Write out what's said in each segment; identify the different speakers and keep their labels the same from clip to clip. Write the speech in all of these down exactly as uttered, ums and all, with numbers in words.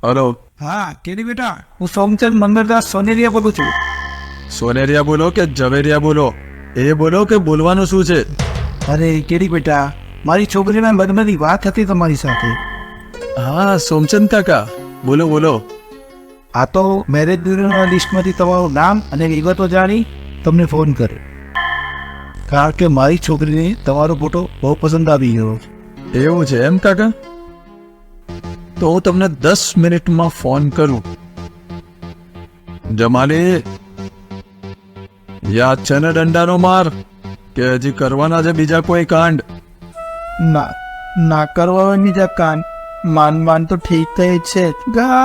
Speaker 1: Hello.
Speaker 2: હા કેરી બેટા, હું સોમચંદ મંગળદાસ સોનેરિયા બોલું છું.
Speaker 1: સોનેરિયા બોલો કે ઝવેરિયા બોલો, એ બોલો કે બોલવાનું શું છે?
Speaker 2: અરે કેરી બેટા, મારી છોકરીના લગ્નની વાત હતી તમારી સાથે.
Speaker 1: હા સોમચંદ કાકા, બોલો બોલો.
Speaker 2: આ તો મેરેજ બ્યુરોના લિસ્ટમાંથી તમારું નામ અને વિગતો જાણી તમને ફોન કર્યો, કારણ કે મારી છોકરીને તમારો ફોટો બહુ પસંદ આવી ગયો.
Speaker 1: એવું છે એમ કાકા? તો હું તમને દસ મિનિટમાં ફોન કરું. જમાલી, યાદ છે ને દંડાનો માર, કે હજી કરવાના છે બીજા કોઈ કાંડ?
Speaker 2: ના ના કરવાની જ કાન, માન માન તો ઠીક થઈ છે. ગા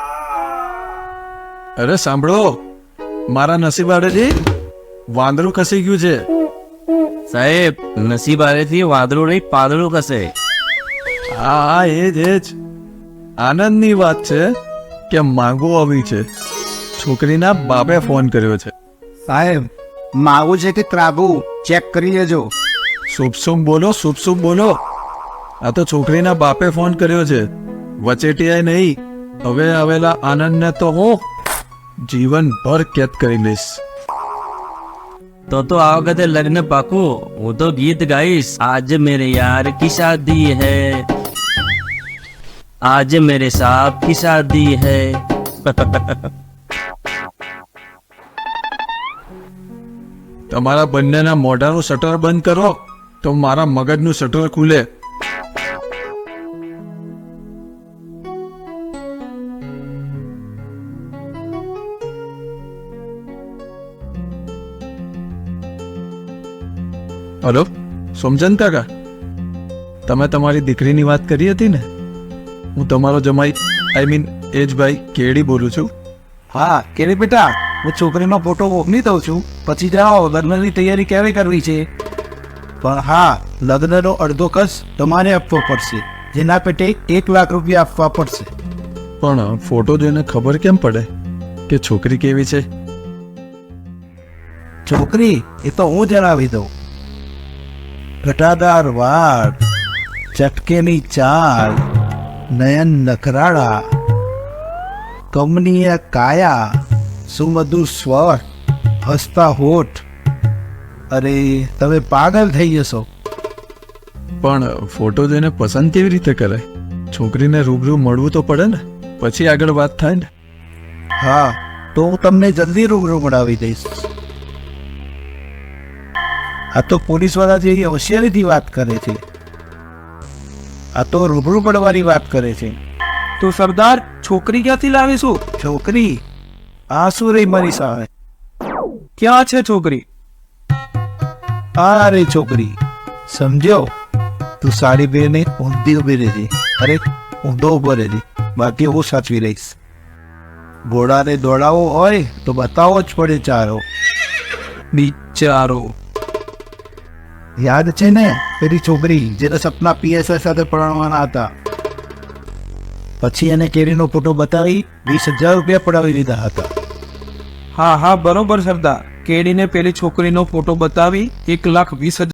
Speaker 1: અરે સાંભળો, મારા નસીબ આડેથી વાંદરું ખસી ગયું છે.
Speaker 3: સાહેબ, નસીબ આરેથી વાદળું નહીં પાંદડું કસે.
Speaker 1: હા હા એ જ એ જ આનંદની વાત છે કે માંગો આવી છે. છોકરીના બાપે ફોન કર્યો છે.
Speaker 2: સાહેબ, માવું છે કે ત્રાગું ચેક કરી લેજો.
Speaker 1: શુભ શુભ બોલો, શુભ શુભ બોલો. આ તો છોકરીના બાપે ફોન કર્યો છે, વચેટિયાએ નહીં. હવે આવેલા આનંદને તો હું જીવનભર કેદ કરી લઈશ.
Speaker 3: તો તો આ વખતે લગ્ન પાકું. હું તો ગીત ગાઈશ, આજ મેરે યાર કી શાદી હૈ, આજ મેરે સાहब की शादी है.
Speaker 1: તમારા બંનેના મોઢાનું શટર બંધ કરો તો મારા મગજનું શટર ખુલે. હલો સોમચંદ કાકા, તમે તમારી દીકરીની વાત કરી હતી ને? હું તમારો જમાઈ, આઈ મીન એજભાઈ કેડી બોલું છું.
Speaker 2: હા કેરી બેટા, હું છોકરીનો ફોટો મોકલી દઉં છું, પછી જાઓ લગ્નની તૈયારી ક્યારે કરવી છે. પણ હા, લગ્નનો અડધો ખર્ચ તમારે આપવો પડશે, જેના પેટે એક લાખ રૂપિયા આપવા પડશે.
Speaker 1: પણ ફોટો જોઈને ખબર કેમ પડે કે છોકરી કેવી છે?
Speaker 2: છોકરી એ તો હું જણાવી દઉં. ઘટાદાર વાળ, ચટકેની ચાલ, નયન નખરાળા, કમનીય કાયા, સુમધુર સ્વર, હસતા હોઠ. અરે તમે પાગલ થઈ જશો.
Speaker 1: પણ ફોટો જોઈને પસંદ કેવી રીતે કરાય? છોકરીને રૂબરૂ મળવું તો પડે ને, પછી આગળ વાત થાય ને.
Speaker 2: હા, તો હું તમને જલ્દી રૂબરૂ મળાવી દઈશ. આ તો પોલીસ વાળા જેવી હોશિયારીથી વાત કરે છે. આ તો રૂબરૂ પડવાની વાત કરે છે.
Speaker 4: તો સરદાર, છોકરી ક્યાંથી લાવીશું?
Speaker 2: છોકરી આ શું રહી મારી સામે?
Speaker 4: ક્યાં છે છોકરી?
Speaker 2: આ રે છોકરી, સમજ્યો? તું સાડી પહેરીને ઊંધી ઉભી રહેજે. અરે ઊંધો ઉભો રહેજે, બાકી હું સાચવી રહીશ. ઘોડાને દોડાવવો હોય તો બતાવવો જ પડે ચારો.
Speaker 4: બિચારો.
Speaker 2: યાદ છે ને પેલી છોકરી જેને સપના પીએસઆઈ સાથે પરણવાના હતા? પછી એને કેરીનો ફોટો બતાવી વીસ હજાર રૂપિયા પડાવી દીધા હતા.
Speaker 4: હા હા બરોબર સરદાર, કેડીને પેલી છોકરીનો ફોટો બતાવી એક લાખ વીસ હજાર